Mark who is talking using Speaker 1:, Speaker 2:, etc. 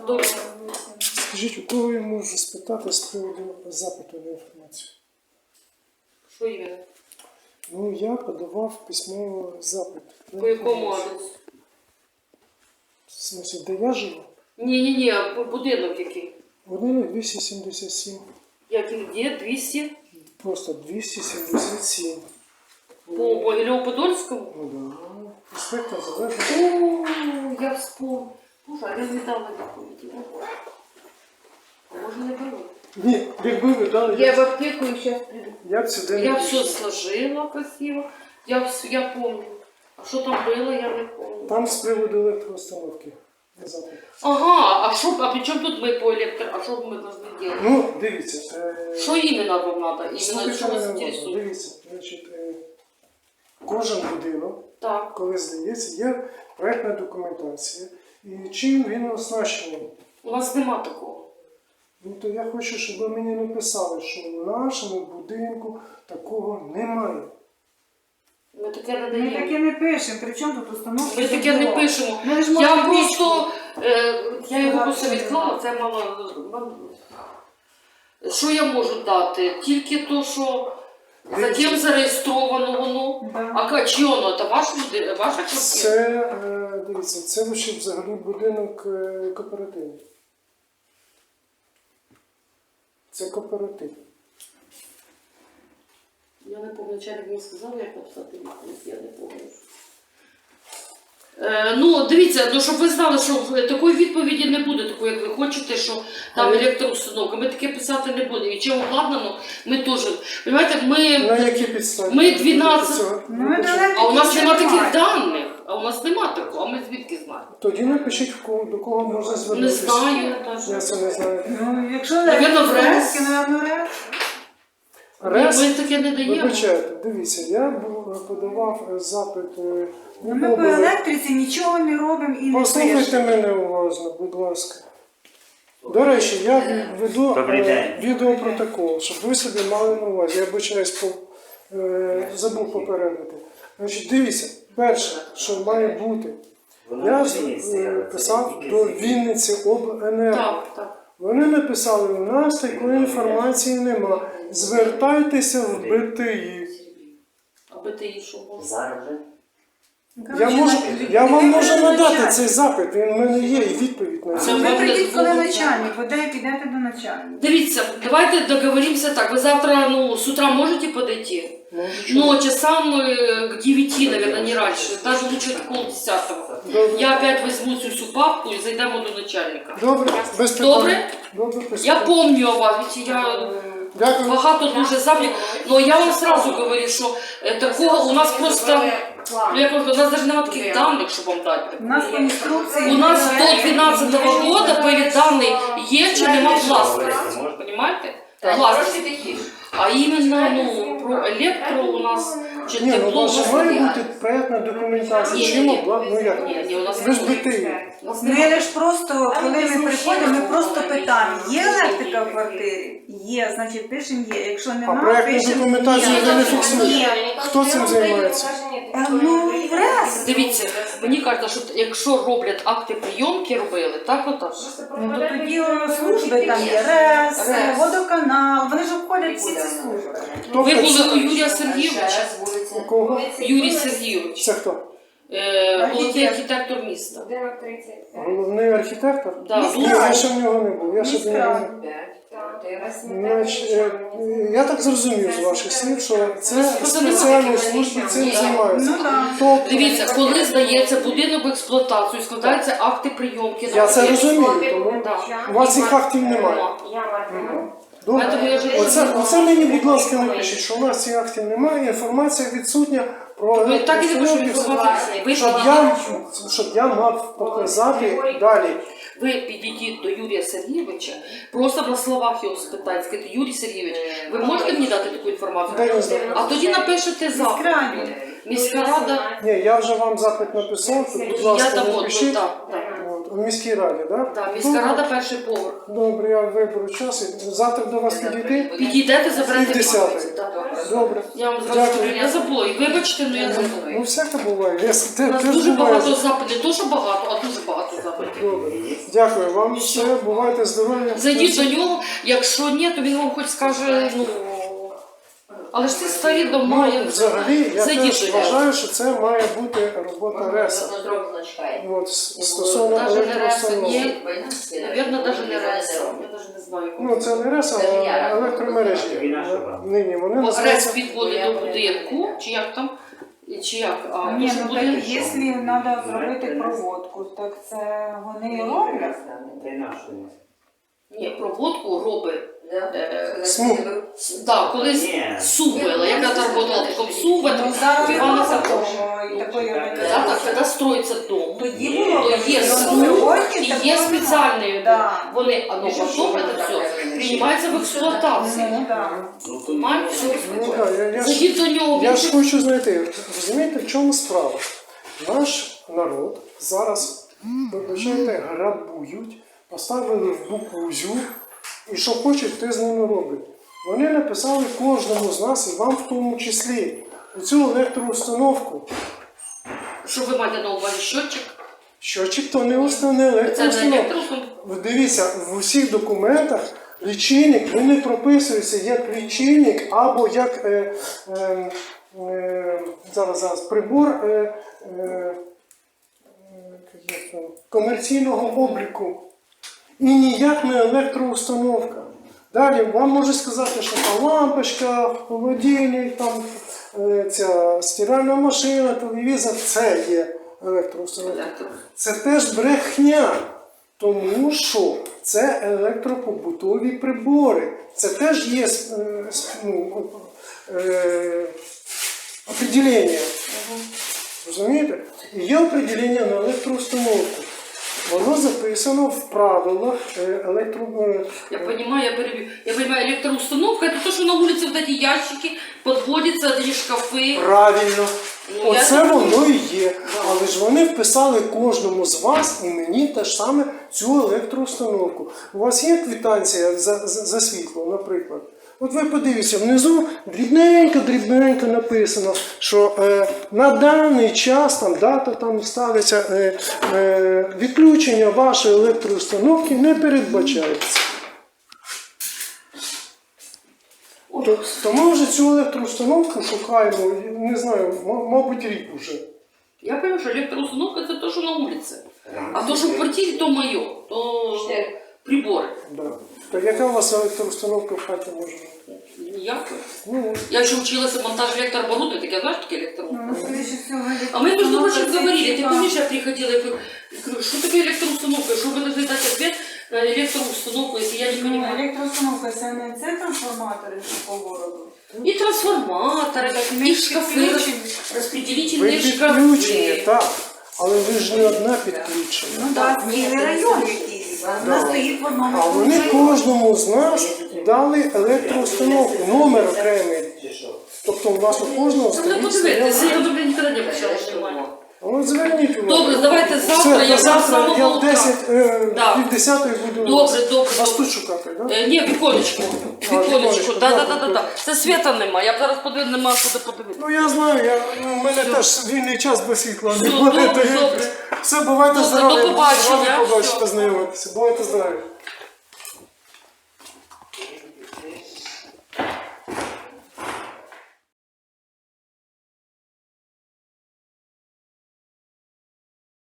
Speaker 1: Добре.
Speaker 2: Скажіть, у кого я можу спитати з приводу запиту на інформацію?
Speaker 1: Що іменно?
Speaker 2: Ну, я подавав письмовий запит. на
Speaker 1: По якому
Speaker 2: інформацію.
Speaker 1: адресу?
Speaker 2: В смысле, де я живу?
Speaker 1: Ні, будинок який?
Speaker 2: Будинок 277.
Speaker 1: Який, де? 200?
Speaker 2: Просто 277.
Speaker 1: По Могилєво-Подольському?
Speaker 2: Ну да. Інспектор залежить.
Speaker 1: О, я вспомнила. Боже, а я не дала відповіді. А може не беру?
Speaker 2: Ні, якби ви дали,
Speaker 1: Я в аптеку і зараз приду.
Speaker 2: я б сюди
Speaker 1: Я
Speaker 2: не
Speaker 1: все
Speaker 2: пішов.
Speaker 1: сложила красиво. Я помню. А що там було, я не помню.
Speaker 2: Там з приводу електроустановки. Запит.
Speaker 1: Ага, а при чому тут ми по електро? А що ми повинні робити?
Speaker 2: Ну, дивіться.
Speaker 1: Що іменно вам треба? Іменно
Speaker 2: Слухайте
Speaker 1: що вас
Speaker 2: мене уважно.
Speaker 1: інтересує?
Speaker 2: Дивіться, значить, кожен будинок,
Speaker 1: Так.
Speaker 2: коли здається, є проєктна документація. І чим він оснащений?
Speaker 1: У нас нема такого.
Speaker 2: Ну, то я хочу, щоб ви мені написали, що в нашому будинку такого немає.
Speaker 1: Ми таке не
Speaker 3: Ми
Speaker 1: даємо.
Speaker 3: таке не пишемо, при чому тут установки?
Speaker 1: Ми таке не пишемо.
Speaker 3: Ми ж
Speaker 1: Я
Speaker 3: можемо
Speaker 1: просто, я його
Speaker 3: Сказати,
Speaker 1: просто
Speaker 3: що
Speaker 1: відклала, це мало. Що я можу дати? Тільки то, що за ким зареєстровано воно.
Speaker 3: Да.
Speaker 1: А чи воно? Це ваша квартира?
Speaker 2: Це, дивіться, це лише взагалі будинок кооперативний. Це кооператив.
Speaker 1: Я не пам'ятаю, начальник мені сказав, як написати відповідь, я не пам'ятаю. Ну, дивіться, ну, щоб ви знали, що такої відповіді не буде, такої, як ви хочете, що там електроустановка. Ми таке писати не будемо. І чим обладнано, ми теж. Понимаєте,
Speaker 2: На які підстави?
Speaker 1: ми 12.
Speaker 3: Ну, ми далеко
Speaker 1: А у нас
Speaker 3: ще
Speaker 1: нема таких
Speaker 3: немає.
Speaker 1: даних. А у нас нема такого, а ми звідки знаємо?
Speaker 2: Тоді напишіть, до кого можна
Speaker 1: Не
Speaker 2: звернутися.
Speaker 1: знаю.
Speaker 2: Я це не знаю.
Speaker 3: Ну, якщо
Speaker 1: Навірно, в РЕС.
Speaker 3: Навірно, в РЕС.
Speaker 2: РЕС,
Speaker 1: Ми таке не даємо.
Speaker 2: вибачайте, дивіться, я подавав запит
Speaker 3: Ну, ми по електриці нічого не робимо і не
Speaker 2: Послухайте
Speaker 3: пишемо.
Speaker 2: мене уважно, будь ласка. До речі, я веду
Speaker 4: Добрий день.
Speaker 2: відеопротокол, щоб ви собі мали на увазі. Я вибачаюсь, забув попередити. Значить, дивіться, перше, що має бути, я писав до Вінниці обленерго.
Speaker 1: Так, так.
Speaker 2: Вони написали, у нас такої інформації нема. Звертайтеся в БТІ.
Speaker 1: Аби ти їй що можеш.
Speaker 4: Зараз вже?
Speaker 2: Я вам можу надати цей запит, він в мене є і відповідь на
Speaker 1: Це
Speaker 2: це.
Speaker 3: Ви прийдіть, коли
Speaker 1: Буде.
Speaker 3: начальник, ви підете до начальника.
Speaker 1: Дивіться, давайте договоримся так. Вы завтра, с утра можете подойти? Но часам к 9, наверное, не раньше. Даже лучше к 9:30.
Speaker 2: Добре.
Speaker 1: Я опять возьму всю папку и зайдем до начальника.
Speaker 2: Добре, без питань.
Speaker 1: Добре?
Speaker 2: Добре, без
Speaker 1: Я
Speaker 2: питань.
Speaker 1: помню о вас, ведь я
Speaker 2: Дякую.
Speaker 1: багато дуже завжди. Но я вам сразу говорю, що такого у нас просто, я кажу, у нас даже немає таких даних, щоб вам дати.
Speaker 3: У нас по інструкції...
Speaker 1: У нас до 12-го года были дані є чи нема власності. Понимаете? Власності. А іменно, про електро у нас чи
Speaker 2: Ні, ну у
Speaker 1: тепло.
Speaker 2: вас має бути проєктна документація.
Speaker 1: Ні,
Speaker 2: Чим
Speaker 1: ні,
Speaker 2: обладнано? Ну як?
Speaker 1: Ні, у нас
Speaker 2: Ви ж
Speaker 1: немає.
Speaker 2: БТІ.
Speaker 3: Ми лише просто, коли ми приходимо, ми просто питаємо, є електрика в квартирі? Є, значить пишемо є. Якщо
Speaker 2: А
Speaker 3: немає,
Speaker 2: проєктну
Speaker 3: пишемо
Speaker 2: документацію
Speaker 3: ні.
Speaker 2: ви не фіксуєте?
Speaker 3: Ні.
Speaker 2: Хто цим займається?
Speaker 3: Ну, і в РЕС.
Speaker 1: Дивіться, мені кажуть, що якщо роблять акти прийомки, робили, так отак.
Speaker 3: Ну, то тоді служби там є РЕС, водоканал, вони ж обходять всі ці служби.
Speaker 1: Ви
Speaker 2: Тобто
Speaker 1: були
Speaker 2: це-
Speaker 1: у Юрія Сергійовича.
Speaker 2: У кого?
Speaker 1: Юрій Сергійович,
Speaker 2: Це хто?
Speaker 1: головний архітектор міста.
Speaker 2: Головний архітектор?
Speaker 1: Да,
Speaker 2: Ні,
Speaker 1: дуже.
Speaker 2: я ще в нього не був. Я ще до нього не... Значить, я так зрозумів з ваших слів, що це спеціальні служби цим займаються.
Speaker 3: Ну, так.
Speaker 2: Тобто,
Speaker 1: Дивіться, коли здається будинок в експлуатацію, складаються акти прийомки.
Speaker 2: я це розумію, тому
Speaker 1: Да.
Speaker 2: у вас цих актів немає. Добре.
Speaker 1: Поэтому я же-
Speaker 2: Оце мені, будь ласка, напишіть, що у нас цих актів немає, інформація відсутня про
Speaker 1: Ви так і не пишете
Speaker 2: електроустановки,
Speaker 1: інформацію. Ви
Speaker 2: щоб я мав показати далі.
Speaker 1: Ви підійдіть до Юрія Сергійовича, просто на словах його спитайте, скажіть, Юрій Сергійович, ви можете мені дати таку інформацію?
Speaker 2: Дай не знаю.
Speaker 1: А тоді напишете запит.
Speaker 3: Міськраді.
Speaker 1: Міська рада,
Speaker 2: Ні, я вже вам запит написав, то, будь ласка,
Speaker 1: я дамо,
Speaker 2: напишіть.
Speaker 1: так.
Speaker 2: От, у міській раді, так?
Speaker 1: Так, міська рада перший поверх.
Speaker 2: Добре, я виберу час. І завтра до вас підійти.
Speaker 1: Підійдете, заберете
Speaker 2: І 10-й.
Speaker 1: відповідь. Так.
Speaker 2: Добре.
Speaker 1: Я вам зразу
Speaker 2: Дякую.
Speaker 1: кажу, я забула. І вибачте, але я
Speaker 2: Ну,
Speaker 1: забула.
Speaker 2: всяке буває. Я
Speaker 1: У нас дуже багато запитів, не то, що багато, а дуже багато запитів.
Speaker 2: Добре. Дякую вам. Все, бувайте здорові.
Speaker 1: Зайдіть до нього, якщо ні, то він вам хоч скаже, ну. Але ж це старі дома, я не знаю.
Speaker 2: Взагалі, я
Speaker 1: Зайдіть
Speaker 2: теж
Speaker 1: до нього.
Speaker 2: вважаю, що це має бути робота РЕСа. От, стосовно
Speaker 1: Даже не РЕСа,
Speaker 2: електроустанов.
Speaker 1: ні. Навірно, навіть не РЕСа. Я навіть не знаю.
Speaker 2: Ну, це не РЕС, а електромережі. Нині вони
Speaker 1: Бо РЕС
Speaker 2: називаються.
Speaker 1: підводить до будинку, чи як там? Чи як? А,
Speaker 3: Ні,
Speaker 1: може
Speaker 3: ну
Speaker 1: будинок?
Speaker 3: так, якщо треба зробити проводку, так це вони і роблять.
Speaker 1: Ні, проводку робить.
Speaker 2: Смуг.
Speaker 1: Так, колись Сувела, яка там працювала таком Сувела,
Speaker 3: Ну зараз
Speaker 1: Івана
Speaker 3: немає
Speaker 1: Сакова.
Speaker 3: такого і такої
Speaker 1: Так,
Speaker 3: організації.
Speaker 1: коли строїться дом,
Speaker 3: Тоді було
Speaker 1: то є
Speaker 3: ну,
Speaker 1: смуг
Speaker 3: сьогодні
Speaker 1: і
Speaker 3: такого
Speaker 1: є
Speaker 3: немає.
Speaker 1: спеціальні.
Speaker 3: Да.
Speaker 1: Вони, а ну потім це все приймається в експлуатацію.
Speaker 3: Ну, так.
Speaker 1: Понимаєте?
Speaker 2: Ну, так,
Speaker 1: Зайдіть до нього,
Speaker 2: я
Speaker 1: він
Speaker 2: ж хочу знайти, розумієте, в чому справа? Наш народ зараз, вибачайте, грабують, поставили в буквузю, і що хочуть, те з ними роблять. Вони написали кожному з нас, і вам в тому числі, цю електроустановку.
Speaker 1: Що ви маєте на увазі? Щотчик?
Speaker 2: Щотчик то не основне
Speaker 1: Це не
Speaker 2: електроустановка.
Speaker 1: електроустановка.
Speaker 2: Дивіться, в усіх документах лічильник, він не прописується як лічильник або як зараз прибор комерційного обліку. І ніяк не електроустановка. Далі вам можуть сказати, що там лампочка, холодильник, там, ця стиральна машина, телевізор – це є електроустановка. Це теж брехня, тому що це електропобутові прибори. Це теж є определення. Розумієте? І є определення на електроустановку. Воно записано в правилах
Speaker 1: Я понимаю, я перебью. Я понимаю, электроустановка это то, что на улице вот эти ящики подводятся, эти шкафы.
Speaker 2: Правильно.
Speaker 1: Ну,
Speaker 2: Оце
Speaker 1: я
Speaker 2: воно і є. Але ж вони вписали кожному з вас і мені теж саме цю електроустановку. У вас є квитанція за світло, наприклад? От ви подивіться, внизу дрібненько написано, що на даний час там дата там ставиться, відключення вашої електроустановки не передбачається. То ми вже цю електроустановку шукаємо, не знаю, мабуть, рік уже.
Speaker 1: Я понимаю, что электроустановка это то, что на улице. А то, что в квартире, то мое, то приборы.
Speaker 2: Да. То яка у вас електроустановка в хаті може бути?
Speaker 1: Ніякої.
Speaker 2: Ну,
Speaker 1: Я еще училась монтаж электрооборудования, так я знаю, что такое электроустановка.
Speaker 3: Ну, скоріше всього,
Speaker 1: А мы, между прочим,
Speaker 3: електроустановка
Speaker 1: говорили,
Speaker 3: це
Speaker 1: ты
Speaker 3: типа-
Speaker 1: помнишь, я приходила и говорю, что такое электроустановка, что вы должны дать ответ на электроустановку, если я не
Speaker 3: Ну,
Speaker 1: понимаю.
Speaker 3: електроустановка це не це трансформатори по городу.
Speaker 1: И трансформаторы, и шкафы, распределительные
Speaker 2: підключені,
Speaker 1: шкафы.
Speaker 2: так. Але ви ж не одна підключена.
Speaker 3: Ну так, цілий район якийсь. Вона стоїть в одному.
Speaker 2: А вони кожному з нас дали електроустановку, номер окремий. Тобто у вас у кожного
Speaker 1: Надо
Speaker 2: стоїть
Speaker 1: подивитися,
Speaker 2: своя.
Speaker 1: я добре ніколи не обращала внимания.
Speaker 2: От зверніть увагу.
Speaker 1: Добре, давайте завтра,
Speaker 2: Все,
Speaker 1: я
Speaker 2: до
Speaker 1: завтра
Speaker 2: завтра я
Speaker 1: самого
Speaker 2: в 10,
Speaker 1: Да.
Speaker 2: пів 10 буду
Speaker 1: Добре, добре,
Speaker 2: вас
Speaker 1: добре.
Speaker 2: тут шукати, так?
Speaker 1: Ні, віконечко. Віконечко,
Speaker 2: віконечко,
Speaker 1: да.
Speaker 2: так.
Speaker 1: Це світа нема, я б зараз подивлюсь, нема куди подивитися.
Speaker 2: Ну я знаю, у мене теж вільний час без світла.
Speaker 1: Все, добре, добре.
Speaker 2: Все, бувайте
Speaker 1: Добре,
Speaker 2: здорові.
Speaker 1: до побачення.
Speaker 2: Рано побачити,
Speaker 1: Все.
Speaker 2: познайомитися. Бувайте здорові.